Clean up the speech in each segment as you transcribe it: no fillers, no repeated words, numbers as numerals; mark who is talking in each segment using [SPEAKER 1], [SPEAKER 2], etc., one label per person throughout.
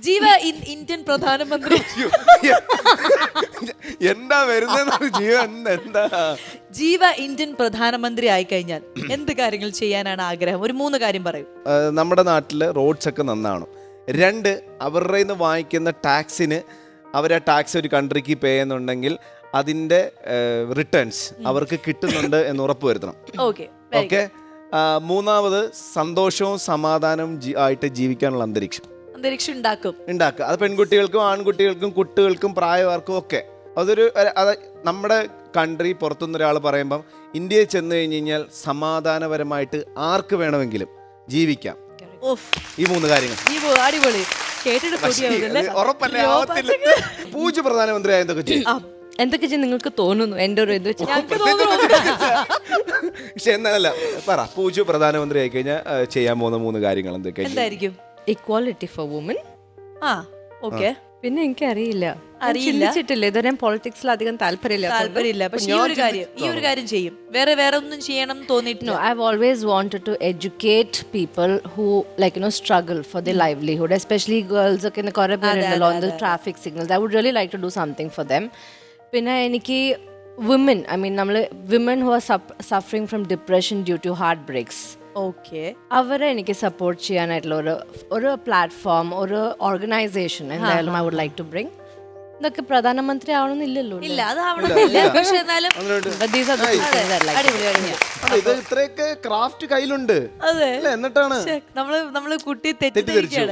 [SPEAKER 1] ജീവ ഇന്ത്യൻ പ്രധാനമന്ത്രി.
[SPEAKER 2] എന്താ വരുന്നത് ജീവൻ? എന്താ
[SPEAKER 1] ജീവ ഇന്ത്യൻ പ്രധാനമന്ത്രി ആയിക്കഴിഞ്ഞാൽ എന്ത് കാര്യങ്ങൾ ചെയ്യാനാണ് ആഗ്രഹം? ഒരു 3 കാര്യം പറയും.
[SPEAKER 2] നമ്മുടെ നാട്ടില് റോഡ്സ് ഒക്കെ നന്നാവണം. 2, അവരുടെ നിന്ന് വാങ്ങിക്കുന്ന ടാക്സിന് അവർ ആ ടാക്സ് ഒരു കൺട്രിക്ക് പേ ചെയ്യുന്നുണ്ടെങ്കിൽ അതിന്റെ റിട്ടേൺസ് അവർക്ക് കിട്ടുന്നുണ്ട് എന്ന് ഉറപ്പുവരുത്തണം.
[SPEAKER 1] ഓക്കെ.
[SPEAKER 2] 3, സന്തോഷവും സമാധാനവും ആയിട്ട് ജീവിക്കാനുള്ള അന്തരീക്ഷം ഉണ്ടാക്കുക. അത് പെൺകുട്ടികൾക്കും ആൺകുട്ടികൾക്കും കുട്ടികൾക്കും പ്രായവർക്കും ഒക്കെ. അതൊരു നമ്മുടെ കൺട്രി പുറത്തുനിന്ന് ഒരാൾ പറയുമ്പം ഇന്ത്യയിൽ ചെന്ന് കഴിഞ്ഞ് കഴിഞ്ഞാൽ സമാധാനപരമായിട്ട് ആർക്ക് വേണമെങ്കിലും ജീവിക്കാം. ഈ 3 കാര്യങ്ങൾ
[SPEAKER 1] അടിപൊളി.
[SPEAKER 2] ഉറപ്പല്ലേ ആവത്തില്ല. പൂജ പ്രധാനമന്ത്രി എന്തൊക്കെ ചെയ്യും?
[SPEAKER 3] എന്തൊക്കെ ചെയ്യും നിങ്ങൾക്ക് തോന്നുന്നു? എന്റെ ഒരു ഇത്
[SPEAKER 2] പക്ഷെ എന്നല്ല പറ, പൂജ പ്രധാനമന്ത്രി ആയി കഴിഞ്ഞാൽ ചെയ്യാൻ പോകുന്ന 3 കാര്യങ്ങൾ എന്തൊക്കെയായിരിക്കും?
[SPEAKER 3] Equality for woman. പിന്നെ എനിക്ക് അറിയില്ല, ചിന്തിച്ചിട്ടില്ല ഇതുവരെ. പൊളിറ്റിക്സിൽ അധികം താല്പര്യമില്ല.
[SPEAKER 1] പക്ഷേ ഈ ഒരു കാര്യം ചെയ്യും. വേറെ ഒന്നും ചെയ്യണം തോന്നിയിട്ടില്ല.
[SPEAKER 3] I've always wanted to educate people who struggle for their livelihood, especially girls ഒക്കെ കുറെ പേരുണ്ടല്ലോ on the traffic signals. I would really like to do something for them. പിന്നെ എനിക്ക് women, women who are suffering from depression due to heartbreaks, അവരെ എനിക്ക് support ചെയ്യാനായിട്ടുള്ള ഒരു platform, ഒരു ഓർഗനൈസേഷൻ എന്തായാലും I would like to bring. ഇതൊക്കെ പ്രധാനമന്ത്രി ആവണമെന്നില്ലല്ലോ.
[SPEAKER 1] ഇല്ല, അതാവണമെന്നില്ല. പക്ഷേ എന്നാലും
[SPEAKER 2] ഇത്രയൊക്കെ ക്രാഫ്റ്റ് കയ്യിലുണ്ട്. എന്നിട്ടാണ്
[SPEAKER 1] നമ്മള് കുട്ടി തെറ്റിദ്ധരിക്കുകയാണ്.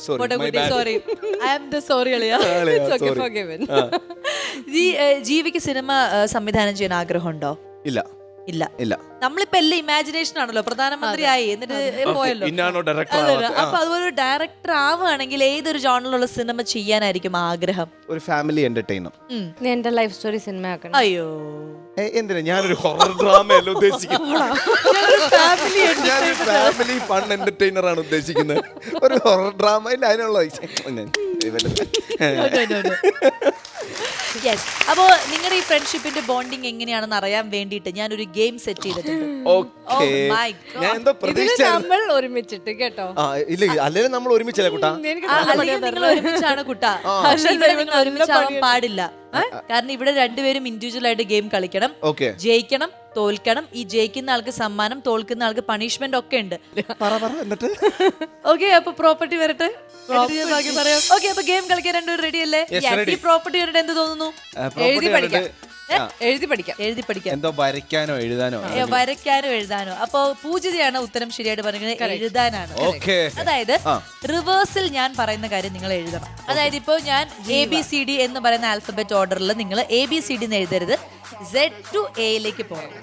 [SPEAKER 1] ജീവിക്ക് സിനിമ സംവിധാനം ചെയ്യാൻ ആഗ്രഹമുണ്ടോ?
[SPEAKER 2] ഇല്ല.
[SPEAKER 1] നമ്മളിപ്പോ എല്ലാം ഇമാജിനേഷൻ ആണല്ലോ. പ്രധാനമന്ത്രി ആയി എന്നിട്ട് പോയല്ലോ. അപ്പൊ അതുപോലെ ഡയറക്ടർ ആവുകയാണെങ്കിൽ ഏതൊരു ജോണറിലുള്ള സിനിമ ചെയ്യാനായിരിക്കും ആഗ്രഹം?
[SPEAKER 2] ഒരു ഫാമിലി എന്റർടൈനർ.
[SPEAKER 3] എന്റെ ലൈഫ് സ്റ്റോറി സിനിമ ആക്കണം.
[SPEAKER 1] അയ്യോ,
[SPEAKER 2] എന്തിനാ? ഞാനൊരു ഹൊറർ ഡ്രാമയല്ല ഉദ്ദേശിക്കുന്നത്. ഫാമിലി ഫൺ എന്റർടൈനർ ആണ് ഉദ്ദേശിക്കുന്നത്. ഒരു ഹൊറർ ഡ്രാമ ഇല്ല അതിനുള്ള.
[SPEAKER 1] അപ്പോ നിങ്ങളുടെ ഈ ഫ്രണ്ട്ഷിപ്പിന്റെ ബോണ്ടിങ് എങ്ങനെയാണെന്ന് അറിയാൻ വേണ്ടിയിട്ട് ഞാനൊരു ഗെയിം സെറ്റ് ചെയ്തിട്ടുണ്ട്.
[SPEAKER 3] നമ്മൾ ഒരുമിച്ചിട്ട് കേട്ടോ.
[SPEAKER 2] അല്ലെങ്കിൽ നമ്മൾ ഒരുമിച്ചല്ലേ കുട്ടാ?
[SPEAKER 1] നിങ്ങൾ ഒരുമിച്ചാണ് കുട്ടാ. പക്ഷെ ഇവിടെ നിങ്ങൾ ഒരുമിച്ചാവാൻ പാടില്ല. കാരണം ഇവിടെ രണ്ടുപേരും ഇൻഡിവിജ്വൽ ആയിട്ട് ഗെയിം കളിക്കണം. ജയിക്കണം, തോൽക്കണം. ഈ ജയിക്കുന്ന ആൾക്ക് സമ്മാനം, തോൽക്കുന്ന ആൾക്ക് പണിഷ്മെന്റ് ഒക്കെ ഉണ്ട്. ഓക്കെ, അപ്പൊ പ്രോപ്പർട്ടി വരട്ടെ. ഓക്കെ, അപ്പൊ ഗെയിം കളിക്കാൻ രണ്ടുപേരും റെഡി അല്ലേ? ഈ പ്രോപ്പർട്ടി വരട്ടെ. എന്ത് തോന്നുന്നു?
[SPEAKER 3] എഴുതി പഠിക്കാം.
[SPEAKER 2] എന്തോ വരയ്ക്കാനോ
[SPEAKER 1] എഴുതാനോ. അപ്പൊ പൂജിതയാണ് ഉത്തരം ശരിയായിട്ട് പറയുന്നത്. എഴുതാനാണ്. അതായത് റിവേഴ്സിൽ ഞാൻ പറയുന്ന കാര്യം നിങ്ങൾ എഴുതണം. അതായത് ഇപ്പൊ ഞാൻ ABCD എന്ന് പറയുന്ന ആൽഫബറ്റ് ഓർഡറിൽ നിങ്ങൾ ABCD എന്ന് എഴുതരുത്. Z to A ലേക്ക് പോകണം.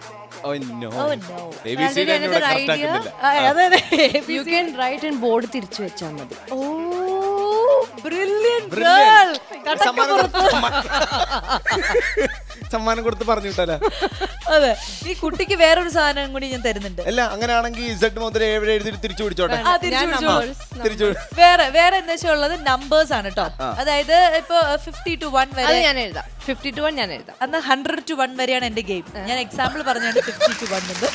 [SPEAKER 3] ബോർഡ് തിരിച്ചു വെച്ചാൽ മതി.
[SPEAKER 2] സമ്മാനം കൊടുത്ത് പറഞ്ഞു വിട്ടാലോ?
[SPEAKER 1] അതെ, ഈ കുട്ടിക്ക് വേറൊരു സാധനം കൂടി ഞാൻ തരുന്നുണ്ട്.
[SPEAKER 2] അല്ല, അങ്ങനെയാണെങ്കിൽ Z മുതൽ എഴുതി തിരിച്ചു പിടിച്ചോട്ടെ.
[SPEAKER 1] വേറെ എന്താ വെച്ചാൽ ഉള്ളത് നമ്പേഴ്സ് ആണ് കേട്ടോ. അതായത് ഇപ്പൊ 50 to 1 വരെ
[SPEAKER 3] ഞാൻ എഴുതാം. 50 to 1 ഞാൻ എഴുതാം.
[SPEAKER 1] അന്ന് 100 to 1 വരെയാണ് എന്റെ ഗെയിം. ഞാൻ എക്സാമ്പിൾ പറഞ്ഞാണ് 50 to 1 എന്ന്.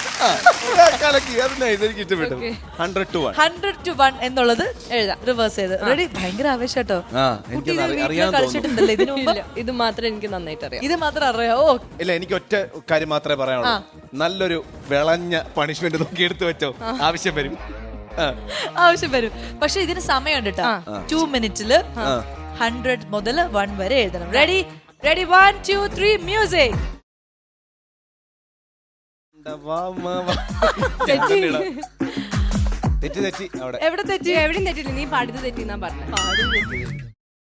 [SPEAKER 1] 100 to 1 എന്നുള്ളത് എഴുതാം. റിവേഴ്സ് ചെയ്ത് റെഡി. ഭയങ്കര ആവേശം കേട്ടോ. കളിച്ചിട്ടുണ്ടല്ലോ ഇതിനു മുമ്പ്?
[SPEAKER 3] ഇത് മാത്രം എനിക്ക് നന്നായിട്ട് അറിയാം.
[SPEAKER 1] ഇത് മാത്രം അറിയാമോ?
[SPEAKER 2] ഇല്ല, എനിക്ക് ഒറ്റ കാര്യം മാത്രമേ പറയാനുള്ളൂ. നല്ലൊരു വിളഞ്ഞ പണിഷ്മെന്റ് നോക്കി എടുത്തു വെച്ചോ. ആവശ്യം വരും.
[SPEAKER 1] പക്ഷെ ഇതിന് സമയമുണ്ട് കേട്ടോ. 2 മിനിറ്റില് 100 മുതൽ 1 വരെ എഴുതണം. Ready 1 2 3 music.
[SPEAKER 2] തെറ്റി അവിടെ.
[SPEAKER 1] എവിടെ തെറ്റി?
[SPEAKER 3] എവിടെയും തെറ്റില്ല. നീ പാടുന്നത് തെറ്റിന്നാ പറഞ്ഞത്.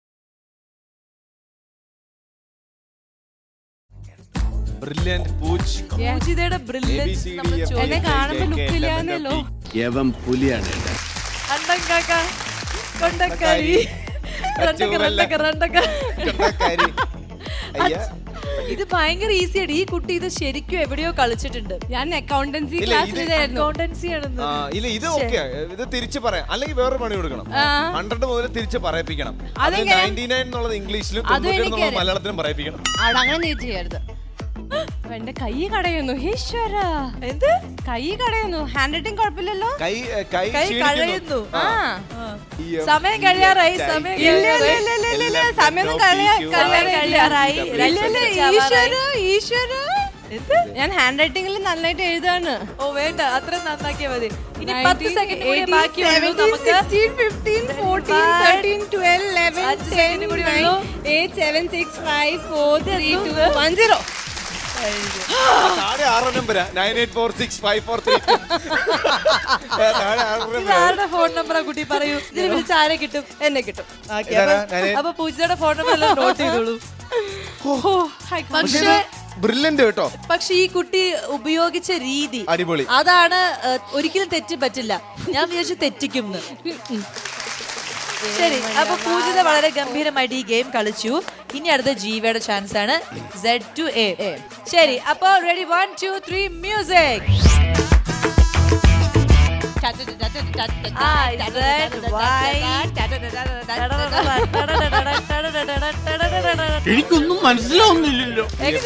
[SPEAKER 2] ബ്രില്യന്റ്
[SPEAKER 1] പൂജിതയുടെ ബ്രില്യൻസ്
[SPEAKER 3] എന്നെ കാണുമ്പോ ലുക്കില്ലാന്നല്ലോ.
[SPEAKER 4] പുലിയാണ്
[SPEAKER 1] ഇത് ഭയങ്കര ഈസിയാണ്. ഈ കുട്ടി ഇത് ശരിക്കും എവിടെയോ കളിച്ചിട്ടുണ്ട്.
[SPEAKER 3] ഞാൻ അക്കൗണ്ടൻസി
[SPEAKER 2] ഇത് തിരിച്ചു പറയാം. അല്ലെങ്കിൽ വേറെ പണി കൊടുക്കണം. 100 മുതൽ തിരിച്ച് പറയിപ്പിക്കണം. 99 എന്നുള്ളത് ഇംഗ്ലീഷിലും മലയാളത്തിലും പറയിപ്പിക്കണം.
[SPEAKER 3] അങ്ങനെ നീ ചെയ്യരുത്. എന്റെ കൈ കടയുന്നു. ഈശ്വര, എന്ത് കൈ കടയുന്നു? ഹാൻഡ് റൈറ്റിംഗ് കുഴപ്പമില്ലല്ലോ.
[SPEAKER 2] കൈ കടയുന്നു.
[SPEAKER 1] സമയം കഴിയാറായി, സമയം
[SPEAKER 3] സമയം
[SPEAKER 1] കഴിയാറായി.
[SPEAKER 3] ഈശ്വര ഞാൻ ഹാൻഡ് റൈറ്റിംഗിൽ നന്നായിട്ട് എഴുതാണ്.
[SPEAKER 1] ഓ വേണ്ട, അത്ര നന്നാക്കിയാ മതി. ഇനി 10 സെക്കൻഡ് കൂടി ബാക്കിയുള്ളൂ നമുക്ക്.
[SPEAKER 3] 16, 15, 14, 13, 12, 11, 10, 9, 8, 7, 6, 5, 4, 3, 2, 1, 0.
[SPEAKER 2] താഴെ 6 നമ്പരാ 98465432.
[SPEAKER 1] ആരുടെ ഫോൺ നമ്പറാ കുട്ടി പറയൂ. ഇതിൽ വിളിച്ച് ആരെ കിട്ടും?
[SPEAKER 3] എന്നെ കിട്ടും.
[SPEAKER 1] അപ്പൊ പൂജയുടെ ഫോൺ നമ്പർ എല്ലാം നോട്ട് ചെയ്തോളൂ. പക്ഷേ
[SPEAKER 2] ബ്രില്യന്റ് കേട്ടോ.
[SPEAKER 1] പക്ഷെ ഈ കുട്ടി ഉപയോഗിച്ച രീതി
[SPEAKER 2] അടിപൊളി.
[SPEAKER 1] അതാണ് ഒരിക്കലും തെറ്റ് പറ്റില്ല. ഞാൻ വിചാരിച്ചു തെറ്റിക്കും. ശരി, അപ്പൊ പൂജിത വളരെ ഗംഭീരമായിട്ട് ഈ ഗെയിം കളിച്ചു. ഇനി അടുത്ത ജീവയുടെ ചാൻസ് ആണ്. Z to A. ശരി, അപ്പൊ റെഡി, 1 2 3 മ്യൂസിക്.
[SPEAKER 4] എനിക്കൊന്നും മനസ്സിലാവുന്നില്ലല്ലോ.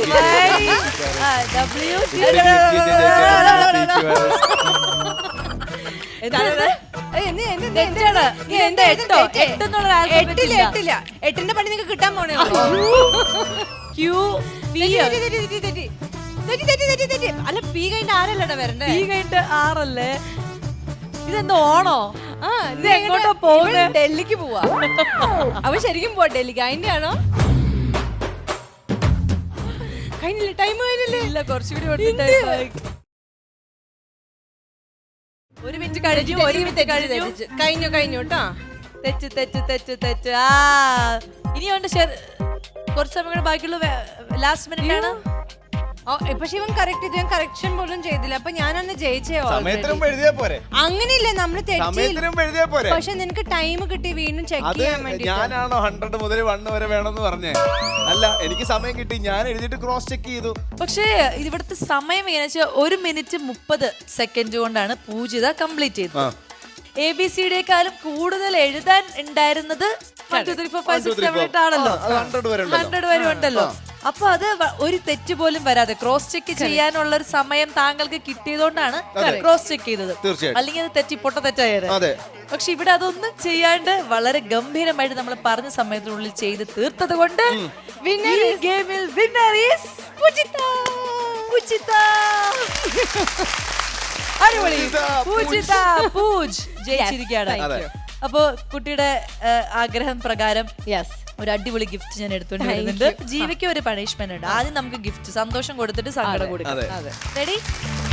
[SPEAKER 3] എട്ടിന്റെ പണി നിങ്ങൾക്ക് കിട്ടാൻ പോണേ. അല്ല പി കഴിഞ്ഞിട്ട് ആരല്ലടാ വരണ്ടേ?
[SPEAKER 1] ഈ കഴിഞ്ഞിട്ട് 6 അല്ലേ? ഇതെന്താ ഓണോ? ഇത് എങ്ങോട്ടോ പോകുന്നത്?
[SPEAKER 3] ഡൽഹിക്ക് പോവാ. അവ ശരിക്കും പോവാ ഡൽഹിക്ക്. അതിന്റെ ആണോ? കഴിഞ്ഞില്ല, ടൈം കഴിഞ്ഞില്ലേ?
[SPEAKER 1] ഇല്ല, കുറച്ചുകൂടി ഒരു മിനിറ്റ് കഴിഞ്ഞു.
[SPEAKER 3] കഴിഞ്ഞു കേട്ടോ.
[SPEAKER 1] തെറ്റ്. ഇനിയുണ്ട് കുറച്ച് സമയം കൂടെ ബാക്കിയുള്ള. ലാസ്റ്റ് മിനിറ്റ് ആണ്.
[SPEAKER 3] പക്ഷെ ഇവൻ കറക്റ്റ് ചെയ്തു. ഞാൻ കറക്ഷൻ പോലും ചെയ്തില്ല. അപ്പൊ ഞാനന്ന് ജയിച്ചേ. അങ്ങനെയില്ല, നമ്മള് പക്ഷെ നിനക്ക് ടൈം കിട്ടി വീണ്ടും ചെക്ക് ചെയ്യാൻ വേണ്ടി.
[SPEAKER 2] ഞാനാണോ 100 മുതൽ 1 വരെ വേണമെന്ന് പറഞ്ഞേ? അല്ല, എനിക്ക് സമയം കിട്ടി, ഞാൻ എഴുതിയിട്ട് ക്രോസ് ചെക്ക് ചെയ്തു.
[SPEAKER 1] പക്ഷേ ഇവിടുത്തെ സമയം എങ്ങനെ വെച്ചാൽ 1 മിനിറ്റ് 30 സെക്കൻഡ് കൊണ്ടാണ് പൂജിത കംപ്ലീറ്റ് ചെയ്തത്. ABCDയെക്കാളും കൂടുതൽ എഴുതാൻ ഉണ്ടായിരുന്നത് 1 2 3 4 5 6 7 8 ആണല്ലോ.
[SPEAKER 2] 100
[SPEAKER 1] വരെ ഉണ്ടല്ലോ. അപ്പൊ അത് ഒരു തെറ്റ് പോലും വരാതെ ക്രോസ് ചെക്ക് ചെയ്യാനുള്ള ഒരു സമയം താങ്കൾക്ക് കിട്ടിയതുകൊണ്ടാണ് ക്രോസ് ചെക്ക് ചെയ്തത്. അല്ലെങ്കിൽ അത് പൊട്ട തെറ്റായത്. പക്ഷെ ഇവിടെ അതൊന്നും ചെയ്യാണ്ട് വളരെ ഗംഭീരമായിട്ട് നമ്മൾ പറഞ്ഞ സമയത്തിനുള്ളിൽ ചെയ്ത് തീർത്തത് കൊണ്ട് ഗെയിമിൽ വിന്നർ ഈസ് പൂജിത. അടിപൊളി, പൂജ് ജയിച്ചിരിക്കുകയാണ്. അപ്പൊ കുട്ടിയുടെ ആഗ്രഹം പ്രകാരം ഒരു അടിപൊളി ഗിഫ്റ്റ് ഞാൻ എടുത്തോണ്ട് വരുന്നുണ്ട്. ജീവിക്ക് ഒരു പണിഷ്മെന്റ് ഉണ്ട്. ആദ്യം നമുക്ക് ഗിഫ്റ്റ് സന്തോഷം കൊടുത്തിട്ട് സങ്കടം കൊടുക്കാം. റെഡി?